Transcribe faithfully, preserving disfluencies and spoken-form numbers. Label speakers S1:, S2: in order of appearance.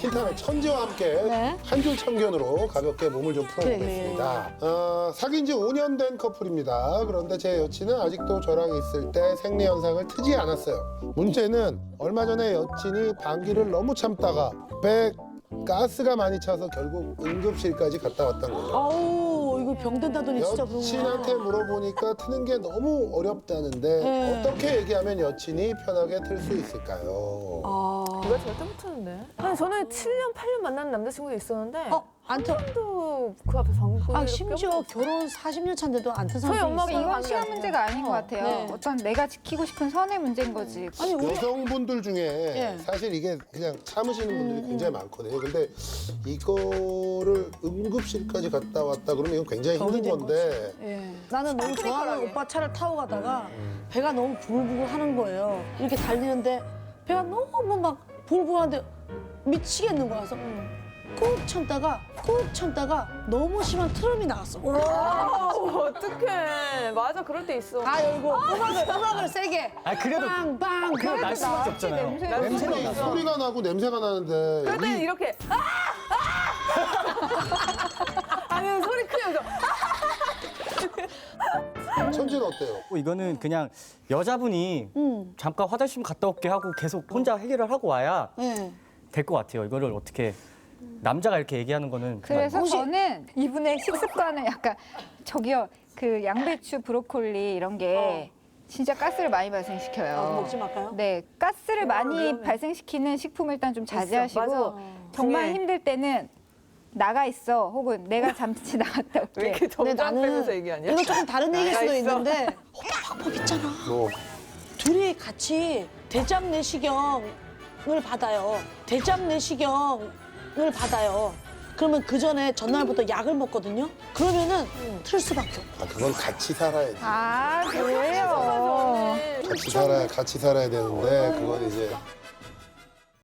S1: 틴탑의 천지와 함께
S2: 네.
S1: 한 줄 참견으로 가볍게 몸을 좀
S2: 그래,
S1: 풀어보겠습니다. 어, 사귄 지 오 년 된 커플입니다. 그런데 제 여친은 아직도 저랑 있을 때 생리 현상을 트지 않았어요. 문제는 얼마 전에 여친이 방귀를 너무 참다가 배에 가스가 많이 차서 결국 응급실까지 갔다 왔던 거죠.
S2: 아우 이거 병된다더니 진짜 그런
S1: 여친한테
S2: 거야.
S1: 물어보니까 트는 게 너무 어렵다는데
S2: 네.
S1: 어떻게 얘기하면 여친이 편하게 틀 수 있을까요?
S2: 아.
S3: 누가 제가 뜸트는데? 아니 저는 칠 년, 팔 년 만난 남자친구도 있었는데
S2: 어, 안 터.
S3: 또 그 앞에 방구.
S2: 아 심지어 결혼 사십 년 차인데도 안 튼 사람도
S3: 저희 엄마가
S2: 있어요.
S4: 이건 시간 문제가 아닌 것 같아요.
S2: 네.
S4: 어떤 내가 지키고 싶은 선의 문제인 거지.
S2: 아니 우리
S1: 여성분들 중에
S2: 예.
S1: 사실 이게 그냥 참으시는 분들이
S2: 음,
S1: 굉장히 많거든요. 근데 이거를 응급실까지 갔다 왔다 그러면 이건 굉장히 힘든
S2: 병이 된
S1: 건데
S2: 예. 나는 너무 좋아하는
S3: 크리컬하게.
S2: 오빠 차를 타고 가다가 배가 너무 부글부글 하는 거예요. 이렇게 달리는데 배가 너무 막 부글부글한데 미치겠는 거야. 그래서 꾹 참다가 꾹 참다가 너무 심한 트럼이 나왔어.
S3: 아, 어떡해. 맞아, 그럴 때 있어.
S2: 다 열고 음악을 음악을 세게
S5: 아 그래도
S2: 빵빵
S5: 그래도 날 수밖에
S4: 나왔지,
S5: 없잖아요.
S4: 냄새.
S5: 냄새가
S1: 소리,
S5: 나서.
S1: 소리가 나고 냄새가 나는데
S3: 그럴 때는
S1: 우리
S3: 이렇게 아! 아! 아니 소리 크면서
S1: 천지는 어때요?
S5: 뭐 이거는 그냥 여자분이
S2: 음.
S5: 잠깐 화장실 좀 갔다 올게 하고 계속 혼자 해결을 하고 와야
S2: 예.
S5: 될 것 같아요. 이거를 어떻게 남자가 이렇게 얘기하는 거는 정말
S4: 그래서
S2: 혹시-
S4: 저는 이분의 식습관을 약간 저기요 그 양배추, 브로콜리 이런 게 진짜 가스를 많이 발생시켜요.
S2: 아, 먹지 말까요?
S4: 네, 가스를 많이
S3: 위험해.
S4: 발생시키는 식품을 일단 좀 자제하시고
S3: 맞아.
S4: 정말
S3: 중요해.
S4: 힘들 때는 나가 있어 혹은 내가 잠시 나갔다 올게.
S3: 왜 이렇게
S2: 근데
S3: 정장
S2: 나는
S3: 빼면서 얘기하냐?
S2: 이거 조금 다른 얘기일 수도
S3: 있어.
S2: 있는데 오빠 방법 있잖아.
S1: 뭐
S2: 둘이 같이 대장 내시경을 받아요. 대장 내시경을 받아요. 그러면 그 전에 전날부터 약을 먹거든요. 그러면은 틀 수밖에 없어.
S1: 아, 그건 같이 살아야 돼.
S4: 아 그래요.
S1: 같이 살아야 같이 살아야 되는데 그건 이제